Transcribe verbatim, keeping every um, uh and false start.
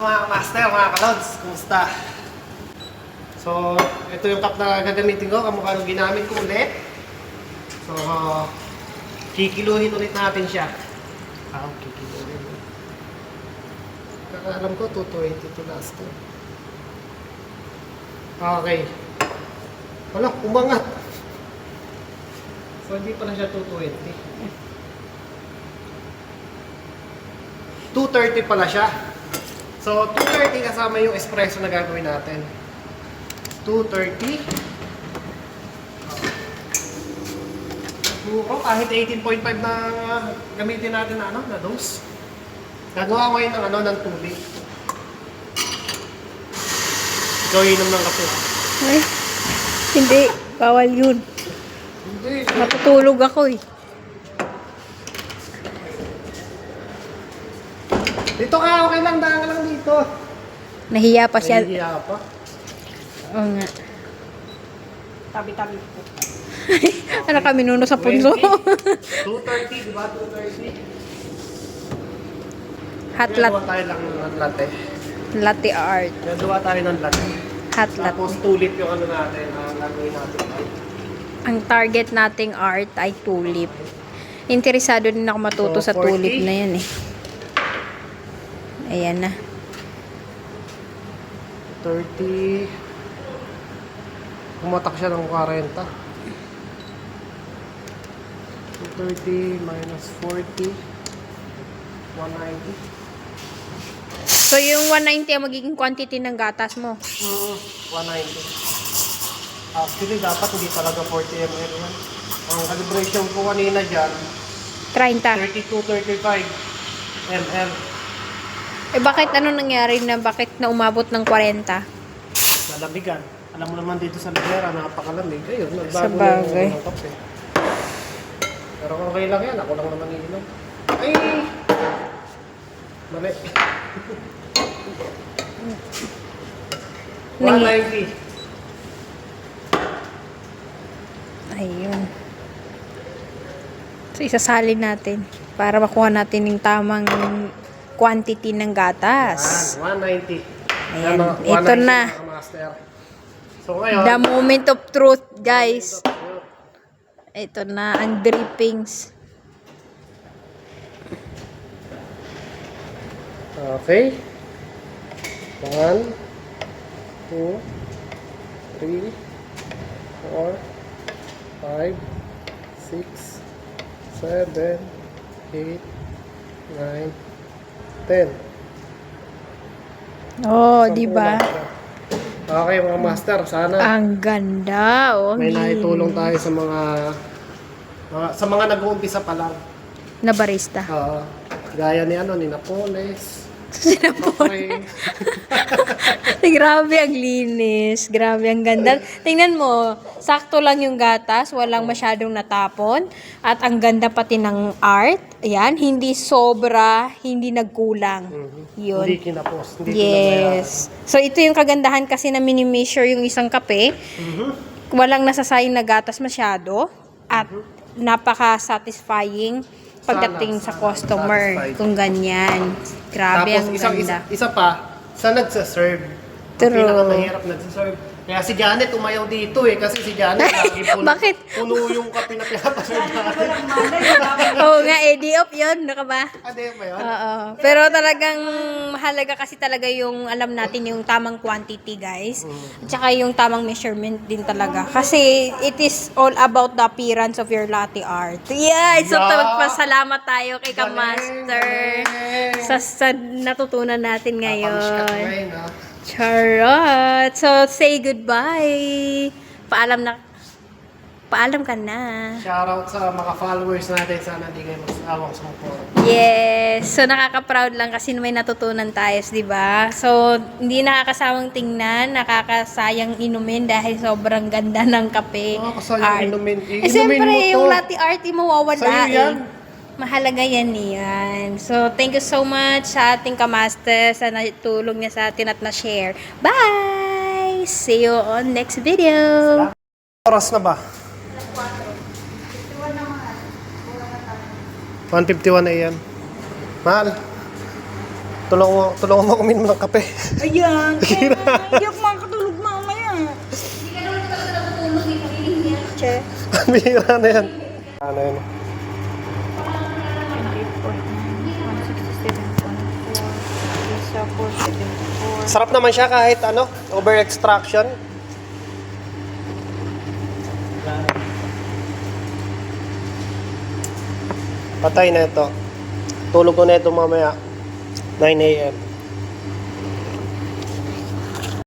Mga master, mga kalods, kumusta? So, ito yung cup na gagamitin ko, kamukha nung ginamit ko ulit. So, uh, kikiluhin ulit natin siya. Ah, kikiluhin. Kakaalam ko, two twenty to last time. Okay. Wala, umangat. So, hindi pala siya two twenty. two thirty pala siya. So, two thirty kasama yung espresso na gagawin natin. two thirty. Oh, kahit eighteen point five na gamitin natin na ano, na dose. Gagawa ko ngayon ng ano, ng tubig. Ikaw inom ng kape. Ay, hindi. Bawal yun. Hindi. Matutulog ako eh. Dito ka, okay lang, daan ka lang dito. Nahiya pa siya. Nahihiya pa. Oo nga. Tabi-tabi po. Ano kami nuno sa punso? two thirty, di ba? two thirty. Hot Gagawa latte. tayo lang ng latte. Latte art. Gagawa tayo ng latte. Hot Tapos latte. tulip yung ano natin, ang gagawin natin. Ang target nating art ay tulip. Interesado din ako matuto So, sa tulip forty. na yan eh. Ayan na. thirty. Pumatak siya ng forty. two thirty minus forty. one ninety. So yung one ninety ang magiging quantity ng gatas mo. Mm, one ninety. Actually, dapat hindi talaga forty milliliters yan. Ang calibration ko kanina dyan, thirty. thirty-two thirty-five milliliters. Eh bakit ano nangyari na bakit na umabot ng forty? Nalamigan. Alam mo naman dito sa Libera, napakalamig. Ayun, Sa nagbago bagay. na yung kape. Pero okay lang yan. Ako lang naman iinom. Ay! Mali. one ninety. Ayun. So isasalin natin para makuha natin yung tamang quantity ng gatas. one ninety. Ayan. Ano, Ito one ninety na. mga master. So ngayon, The moment of truth, guys. Ito na ang drippings. okay. one, two, three, four, five, six, seven, eight, nine, ten. Oh, di ba? Okay mga master, sana Ang ganda, oh. may ang naitulong linis. tayo sa mga, mga sa mga nag-uumpisa pa lang. Na barista. Oo. Gaya ni ano ni Napoles. Sinapon. Grabe ang linis. Grabe ang ganda. Tingnan mo, sakto lang yung gatas, walang masyadong natapon. At ang ganda pati ng art. Ayan, hindi sobra, hindi nagkulang. Yun. Hindi kinapos. Hindi Yes. So ito yung kagandahan kasi na mini-measure yung isang kape. Mhm. Walang nasasayang na gatas masyado. At napaka-satisfying pagdating Sana, sa sana customer. satisfied. Kung ganyan. Grabe Tapos ang isang, ganda. isa, isa pa, sa nagsaserve. True. Ang pinakamahirap nagsaserve. Kaya si Janet umayaw dito eh. Kasi si Janet lagi puno, Bakit? puno yung kape na pinapaserve natin. Oo nga, eh, di off yun. Ano ka ba? Ano yun ba yun? Oo. Pero talagang mahalaga kasi talaga yung alam natin yung tamang quantity, guys. At saka yung tamang measurement din talaga. Kasi it is all about the appearance of your latte art. Yeah! So, Yeah. magpasalamat tayo kay Galing, Kamaster galing. sa, sa natutunan natin Napamiss ka ngayon. ngayon, ha? Charot! So, say goodbye. Paalam na. Paalam ka na. Shoutout sa mga followers natin. Sana hindi kayo magsawang sumuporta. Yes. So, nakaka-proud lang kasi may natutunan tayo, di ba? So, hindi nakakasawang tingnan, nakakasayang inumin dahil sobrang ganda ng kape. Nakakasayang art. inumin. Eh, Iinumin siyempre, mo to. yung latte art, yung mawawala Sa'yo yan. eh. Mahalaga yan yan. So, thank you so much sa ating kamaster sa natulong niya sa atin at na-share. Bye! See you on next video. Oras na ba? one fifty-one a m. Mahal. Tulungan mo, tulungan mo kuminom ng kape. Ayan. Kaya hindi ako makakatulog mamaya. Hindi ka naman talaga nakatulog eh. Kakiling niya. Che. Bihira na yan. Ano yun? Sarap naman siya kahit ano, over extraction. Patay na ito. Tulog ko na ito mamaya. nine a m